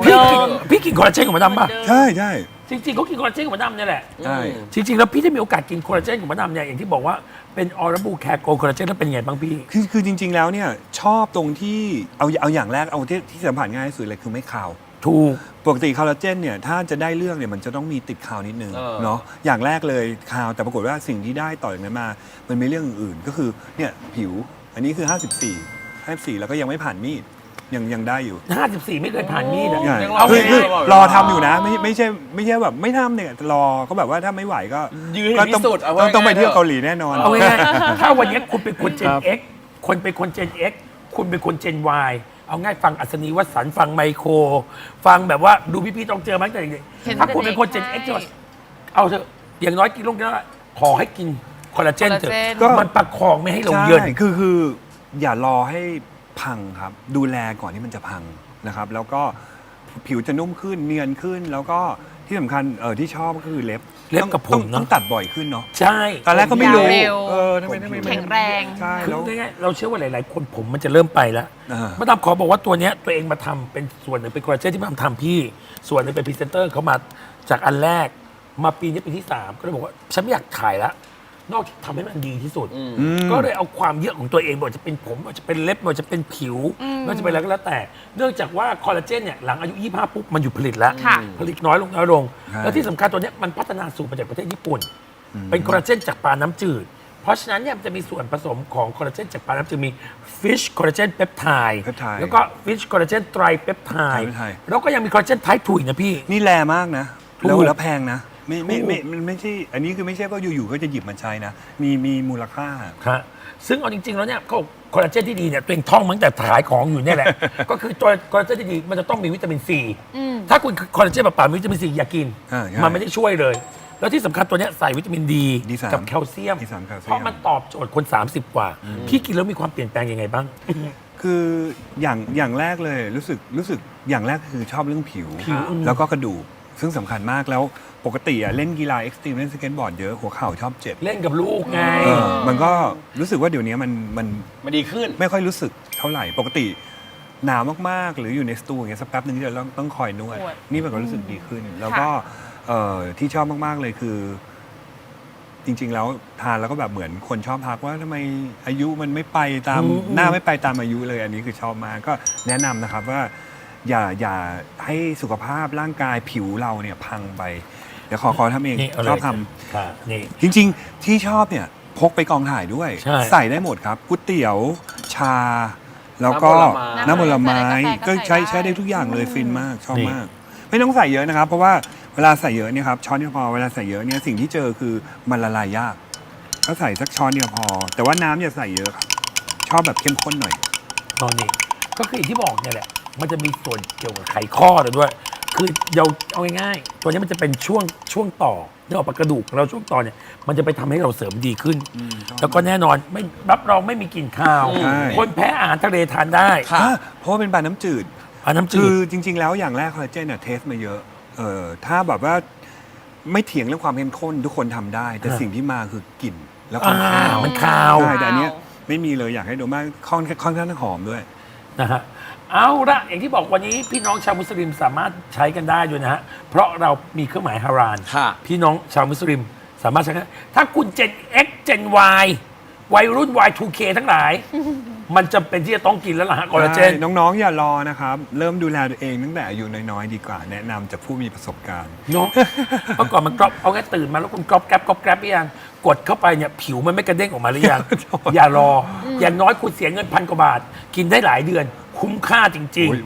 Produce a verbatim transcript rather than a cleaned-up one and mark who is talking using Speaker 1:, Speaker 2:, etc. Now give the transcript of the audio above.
Speaker 1: พี่กินพี่กินคอลลาเจนของมะดำป่ะ
Speaker 2: ใช่ใช่
Speaker 1: จริงๆเขากินคอลลาเจนของมะดำเนี่ยแหละ
Speaker 2: ใช่
Speaker 1: จริงๆแล้วพี่ได้มีโอกาสกินคอลลาเจนของมะดำเนี่ยอย่างที่บอกว่าเป็นออร์บูแคโกคอลลาเจนแล้วเป็นไงบ้างพี่
Speaker 2: คือคือจริง ๆ แล้วเนี่ยชอบตรงที่เอาเอาอย่างแรกเอาที่ที่สัมผัสง่ายที่สุดเลยคือไม่คาว
Speaker 1: ถูก
Speaker 2: ปกติคอลลาเจนเนี่ยถ้าจะได้เรื่องเนี่ยมันจะต้องมีติดคาวนิดนึง
Speaker 3: เออ
Speaker 2: เนาะอย่างแรกเลยคาวแต่ปรากฏว่าสิ่งที่ได้ต่อจากนั้นมามันมีเรื่องอื่นๆก็คือเนี่ยผิวอันนี้คือ ห้าสิบสี่ ห้าสิบสี่ แล้วก็ยังไม่ผ่านมีดยังยังได้อยู่
Speaker 1: ห้าสิบสี่ไม่เคยผ่านมีดอะ
Speaker 2: ใช่
Speaker 3: ยังรอ
Speaker 2: คือคือ
Speaker 3: ไม่ได้
Speaker 2: รอทำอยู่นะไม่ไม่ใช่ไม่ใช่แบบไม่ทำเนี่ยรอก็แบบว่าถ้าไม่ไหวก็
Speaker 3: ยืนให้
Speaker 2: ก็
Speaker 3: พิ
Speaker 2: ต้อง
Speaker 3: สูจน์เอา
Speaker 2: ต้อง
Speaker 3: ไว้
Speaker 2: ต้องไปเที่ยว
Speaker 3: ไง
Speaker 2: เกาหลีแน่นอน
Speaker 1: เอาง่ายๆถ้าวันนี้คุณเป็นคนเจ
Speaker 2: คน รับ
Speaker 1: X คนเป็นคนเจน X คุณเป็นคนเจน Y เอาง่ายฟังอัศนีวสันต์ฟังไมโคร ฟังแบบว่าดูพี่ๆต้องเจอมาตั้งแต่เด็ก
Speaker 4: เห็น
Speaker 1: ๆถ้าคุณเป็นคนเจน
Speaker 4: แต่
Speaker 1: X
Speaker 4: เด็ก
Speaker 1: จะเอาเถอะอย่างน้อยกินลงกินแล้วขอให้กินคอลลาเจนเถอะ
Speaker 4: คอลลาเจน
Speaker 2: ก็
Speaker 1: มันประคองไม่ให้เรา
Speaker 2: ใช่
Speaker 1: เยิน
Speaker 2: คือคืออย่ารอให้พังครับ ดูแลก่อนที่มันจะพังนะครับ แล้วก็ผิวจะนุ่มขึ้นเนียนขึ้น แล้วก็ที่สำคัญเออที่ชอบก็คือเล็บ
Speaker 1: เล็บกับผม
Speaker 2: ต้อง
Speaker 1: เนอะ
Speaker 2: ต้องตัดบ่อยขึ้นเนาะ
Speaker 1: ใช่
Speaker 2: ตอนแรกก็ไม่รู้
Speaker 4: ยาวเร็ว
Speaker 2: เออทำไมทำไม
Speaker 4: แข็งแรง
Speaker 2: ใช่
Speaker 1: คือ
Speaker 2: แล้ว
Speaker 1: ง่ายๆเราเชื่อว่าหลาย ๆ คนผมมันจะเริ่มไปแล้ว
Speaker 2: อ่า
Speaker 1: มาดามขอบอกว่าตัวเนี้ยตัวเองมาทำเป็นส่วนหนึ่งเป็นคอลลาเจนที่มาทำพี่ ส่วนหนึ่งเป็นพรีเซนเตอร์เขามาจากอันแรก มาปีนี้ปีที่สามก็เลยบอกว่าฉันไม่อยากขายละนอกจากทำให้มันดีที่สุด
Speaker 3: อืม
Speaker 2: อืม
Speaker 1: ก็เลยเอาความเยอะของตัวเองไม่ว่าจะเป็นผมไม่ว่าจะเป็นเล็บไม่ว่าจะเป็นผิวไม่ว่าจะเป็นอะไรก็แล้วแต่ เนื่องจากว่าคอลลาเจนเนี่ยหลังอายุยี่สิบห้าปุ๊บมันหยุดผลิตแล้ว
Speaker 4: ค่ะ
Speaker 1: ผลิตน้อยลงน้อยลง
Speaker 2: ใช่
Speaker 1: แล้วที่สำคัญตัวเนี้ยมันพัฒนาสูตรมาจากประเทศญี่ปุ่น เป็นคอลลาเจนจากปลาน้ำจืด เพราะฉะนั้นเนี่ยมันจะมีส่วนผสมของคอลลาเจนจากปลาน้ำจืดมี fish collagen peptide
Speaker 2: peptide
Speaker 1: แล้วก็ fish collagen tri peptide
Speaker 2: peptide
Speaker 1: แล้วก็ยังมีคอลลาเจน type ทูอีกนะพี่
Speaker 2: นี่แรงมากนะ
Speaker 1: ถูก
Speaker 2: แล้วแล้วแพงนะ ไม่ไม่
Speaker 1: ถูก
Speaker 2: ไม่มันไม่ใช่อันนี้คือไม่ใช่ว่าอยู่ๆก็จะหยิบมาใช้นะ มีมีมูลค่า
Speaker 1: ครับซึ่งเอาจริง ๆ แล้วเนี่ยเขาบอกคอลลาเจนที่ดีเนี่ยตัวเองท่องมาตั้งแต่ขายของอยู่เนี่ยแหละ ก็คือตัวคอลลาเจนที่ดีมันจะต้องมีวิตามินซี
Speaker 4: อืม
Speaker 1: ถ้าคุณคอลลาเจนเปล่าๆมีวิตามินซีอย่ากิน
Speaker 2: อ่าใช่
Speaker 1: มันไม่ได้ช่วยเลย แล้วที่สำคัญตัวเนี้ยใส่วิตามินดี
Speaker 2: ดีสาม
Speaker 1: กับแคลเซียม
Speaker 2: ดีสามแคลเซียม
Speaker 1: เพราะมันตอบโจทย์คน สามสิบ กว่า พี่กินแล้วมีความเปลี่ยนแปลงยังไงบ้าง
Speaker 2: คืออย่างอย่างแรกเลยรู้สึกรู้สึกอย่างแรกคือชอบเรื่องผิว
Speaker 1: ผิวอืม
Speaker 2: แล้วก็กระดูกซึ่งสำคัญมากแล้วปกติอะเล่นกีฬาเอ็กซ์ตรีมเล่นสเก็ตบอร์ดเยอะหัวเข่าชอบเจ็บ
Speaker 1: เล่นกับลูกไง
Speaker 2: เออมันก็รู้สึกว่าเดี๋ยวนี้มันมัน
Speaker 3: มันดีขึ้น
Speaker 2: ไม่ค่อยรู้สึกเท่าไหร่ปกติหนาวมากๆ หรืออยู่ในสตูอย่างเงี้ยสักแป๊บหนึงที่เราต้องต้องคอยนวด
Speaker 4: นวด
Speaker 2: นี่มันก็รู้สึกดีขึ้น แล้วก็เอ่อที่ชอบมากๆเลยคือ จริง ๆ แล้วทานแล้วก็แบบเหมือนคนชอบทักว่าทำไมอายุมันไม่ไปตาม
Speaker 1: อืม
Speaker 2: หน้าไม่ไปตามอายุเลย อันนี้คือชอบมากก็แนะนำนะครับว่า อย่าอย่าให้สุขภาพร่างกายผิวเราเนี่ยพังไป เดี๋ยวขอขอทำเอง
Speaker 1: นี่เาเลย
Speaker 2: ชอบท
Speaker 1: ค่ะนี่
Speaker 2: ำจริง ๆ ที่ชอบเนี่ยพกไปกองถ่ายด้วย
Speaker 1: ใช่
Speaker 2: ใส่ได้หมดครับก๋วยเตี๋ยวชา แล้วก็
Speaker 3: น้ำผลไม้
Speaker 2: น้ำผลไม้
Speaker 4: ใส่
Speaker 2: ก็
Speaker 4: กาแฟก็
Speaker 2: ใช้
Speaker 4: ใส่
Speaker 2: ใช้ได้
Speaker 4: ได้
Speaker 2: ทุกอย่างเลย
Speaker 4: อืม
Speaker 2: ฟินมากชอบ
Speaker 1: นี่
Speaker 2: มาก ไม่ต้องใส่เยอะนะครับ เพราะว่าเวลาใส่เยอะเนี่ยครับช้อนเดียวพอเวลาใส่เยอะเนี่ยสิ่งที่เจอคือมันละลายยากก็ใส่สักช้อนเดียวพอ แต่ว่าน้ำอย่าใส่เยอะครับชอบแบบเข้มข้นหน่อย
Speaker 1: ตอนนี้ก็คืออย่างที่บอกเนี่ยแหละ มันจะมีส่วนเกี่ยวกับไขข้อเลยด้วย คือเราเอาง่ายๆตัวนี้มันจะเป็นช่วงช่วงต่อเนื้อออกมากระดูกของเราช่วงต่อเนี่ย มันจะไปทำให้เราเสริมดีขึ้น
Speaker 2: อืมชอบ
Speaker 1: แล้วก็แน่นอนไม่รับรองไม่มีกลิ่นคาว
Speaker 2: ใช่
Speaker 1: คนแพ้อาหารทะเลทานได้
Speaker 3: ค่ะ
Speaker 2: อ่ะเพราะว่าเป็นปลาน้ำจืด
Speaker 1: อาน้ำจื
Speaker 2: คือ
Speaker 1: ด
Speaker 2: จริง ๆ แล้วอย่างแรกคอลลาเจนเนี่ยเทสมาเยอะ เออถ้าแบบว่าไม่เถียงเรื่องความเข้มข้นทุกคนทำได้ แต่
Speaker 1: อ่า
Speaker 2: สิ่งที่มาคือกลิ่นแล้วก็
Speaker 1: อ่า
Speaker 2: ข้าว
Speaker 1: มันคาว
Speaker 2: ใช่แต่อันเนี้ยไม่มีเลยอยากให้ดูมากค่อนค่อนข้างหอมด้วย
Speaker 1: นะฮะเอาละอย่างที่บอกวันนี้พี่น้องชาวมุสลิมสามารถใช้กันได้ด้วยนะฮะเพราะเรามีเครื่องหมายฮาราน
Speaker 3: ค่ะ
Speaker 1: พี่น้องชาวมุสลิมสามารถใช้ได้ถ้าคุณ Gen X Gen Y วัยรุ่น วาย ทู เค ทั้งหลาย มันจำเป็นที่จะต้องกินแล้วล่ะฮะคอลลาเจน
Speaker 2: ใช่น้องๆ อย่ารอนะครับ เริ่มดูแลตัวเองตั้งแต่อายุน้อยๆ ดีกว่า แนะนำจากผู้มีประสบการณ์
Speaker 1: เนาะเมื่อก่อนมันกรอบเอาแค่ตื่นมาแล้วคุณกรอบแกรบกรอบแกรบหรือยังกดเข้าไปเนี่ยผิวมันไม่กระเด้งออกมาหรือยัง อย่ารอ อย่างน้อยคุณเสียเงินพันกว่าบาท กินได้หลายเดือน คุ้มค่าจริง ๆ